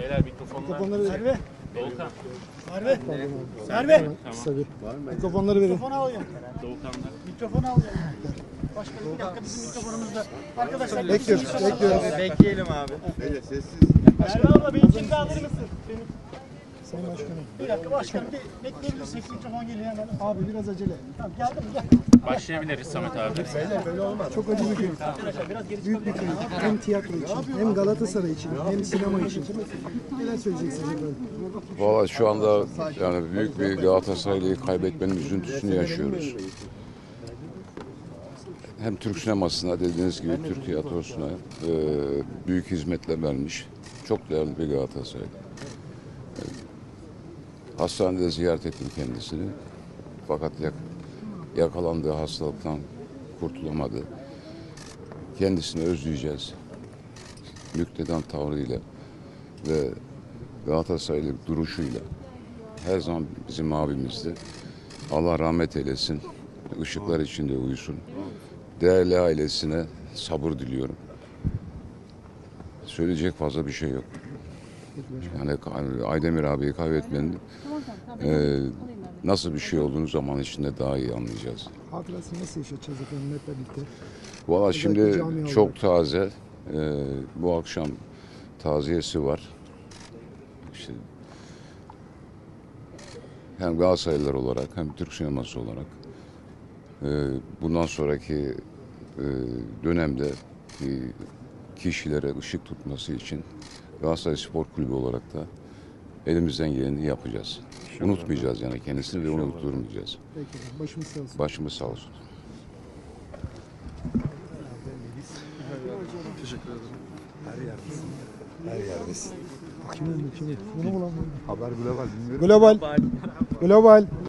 Beyler mikrofonlar. Mikrofonları verin. Merve. Doğukan. Merve. Merve. Tamam. Mikrofonları verin. Mikrofonu al ya. Doğukanlar. Mikrofonu al ya. Başkanım bir dakika bizim mikrofonumuzda. Arkadaşlar Bekliyoruz. Bekleyelim abi. Öyle sessiz. Merve abla benimkini de alır mısın? Benim. Sayın Başkanım. Bir dakika başkanım bir bekleyebilirsek mikrofon geliyor hemen. Abi biraz acele. Tamam geldim gel. Başlayabiliriz Samet abi. Çok acı bir gün. Büyük bir gün. Hem tiyatro için, hem Galatasaray için, hem sinema için. Neler söyleyeceksiniz efendim? Valla şu anda yani büyük bir Galatasaraylı'yı kaybetmenin üzüntüsünü yaşıyoruz. Hem Türk sinemasına dediğiniz gibi Türk tiyatrosuna büyük hizmetler vermiş. Çok değerli bir Galatasaraylı. Hastanede ziyaret ettim kendisini. Fakat yakalandığı hastalıktan kurtulamadı. Kendisini özleyeceğiz. Müktedan tavrıyla ve Galatasaraylı duruşuyla her zaman bizim abimizdi. Allah rahmet eylesin. Işıklar içinde uyusun. Değerli ailesine sabır diliyorum. Söyleyecek fazla bir şey yok. Yani Aydemir abiyi kaybetmenin nasıl bir şey olduğunu zaman içinde daha iyi anlayacağız. Hatırasını nasıl yaşayacağız efendim hep birlikte? Valla şimdi cami çok olarak. taze. Bu akşam taziyesi var. İşte hem Galatasaraylılar olarak hem Türk sineması olarak bundan sonraki dönemde kişilere ışık tutması için Galatasaray Spor Kulübü olarak da elimizden geleni yapacağız. Unutmayacağız yani kendisini ve unutturmayacağız. Peki efendim, başımız sağ olsun. Başımız sağ olsun. Kimin? Bunu bulamıyorum. Haber global. Global. Global.